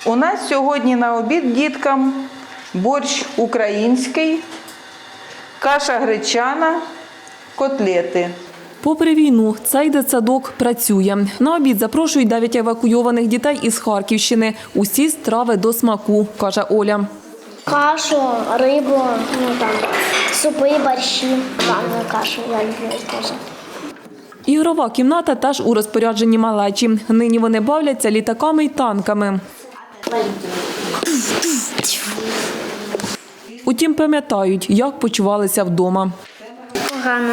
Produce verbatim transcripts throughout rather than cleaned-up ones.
У нас сьогодні на обід діткам борщ український, каша гречана, котлети. Попри війну, цей дитсадок працює. На обід запрошують дев'ять евакуйованих дітей із Харківщини. Усі страви до смаку, каже Оля. Кашу, рибу, ну там, супи, борщі, манну кашу, я люблю теж. Ігрова кімната теж у розпорядженні малечі. Нині вони бавляться літаками й танками. Утім, пам'ятають, як почувалися вдома. Погано.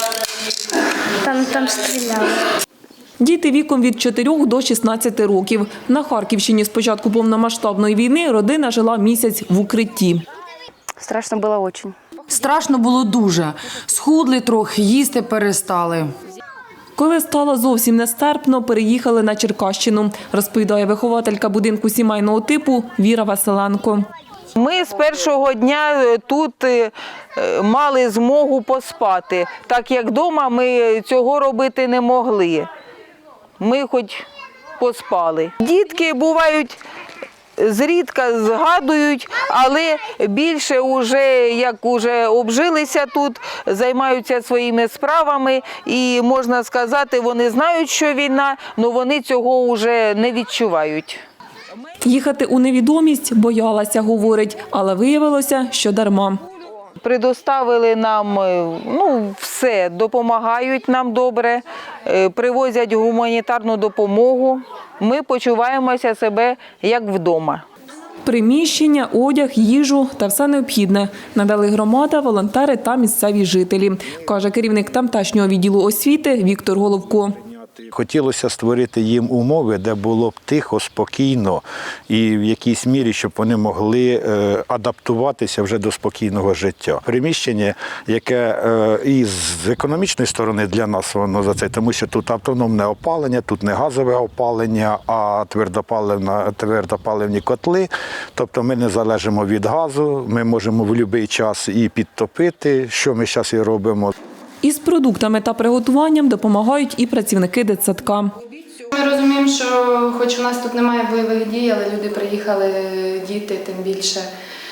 Там, там стріляли. Діти віком від чотирьох до шістнадцяти років. На Харківщині з початку повномасштабної війни родина жила місяць в укритті. Страшно було дуже. Страшно було дуже. Схудли трохи, їсти перестали. Коли стало зовсім нестерпно, переїхали на Черкащину, розповідає вихователька будинку сімейного типу Віра Василенко. Ми з першого дня тут мали змогу поспати, так як вдома ми цього робити не могли. Ми хоч поспали. Дітки бувають, зрідка згадують, але більше вже, як вже обжилися тут, займаються своїми справами і, можна сказати, вони знають, що війна, але вони цього вже не відчувають. Їхати у невідомість боялася, говорить, але виявилося, що дарма. Предоставили нам ну, все, допомагають нам добре, привозять гуманітарну допомогу. Ми почуваємося себе як вдома. Приміщення, одяг, їжу та все необхідне надали громада, волонтери та місцеві жителі, каже керівник тамтешнього відділу освіти Віктор Головко. Хотілося створити їм умови, де було б тихо, спокійно і в якійсь мірі, щоб вони могли адаптуватися вже до спокійного життя. Приміщення, яке і з економічної сторони для нас воно за це, тому що тут автономне опалення, тут не газове опалення, а твердопаливні котли. Тобто ми не залежимо від газу, ми можемо в будь-який час і підтопити, що ми зараз і робимо. Із продуктами та приготуванням допомагають і працівники дитсадка. Ми розуміємо, що хоч у нас тут немає бойових дій, але люди приїхали, діти тим більше.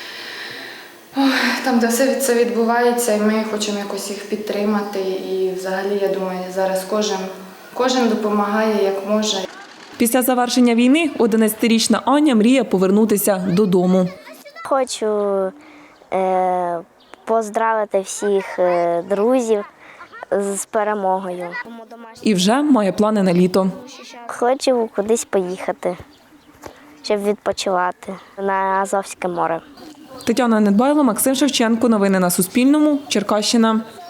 Там, де все це відбувається, і ми хочемо якось їх підтримати. І взагалі, я думаю, зараз кожен, кожен допомагає, як може. Після завершення війни одинадцятирічна Аня мріє повернутися додому. Хочу е, поздравити всіх е, друзів з перемогою. І вже має плани на літо. Хочу кудись поїхати, щоб відпочивати на Азовське море. Тетяна Недбайло, Максим Шевченко. Новини на Суспільному. Черкащина.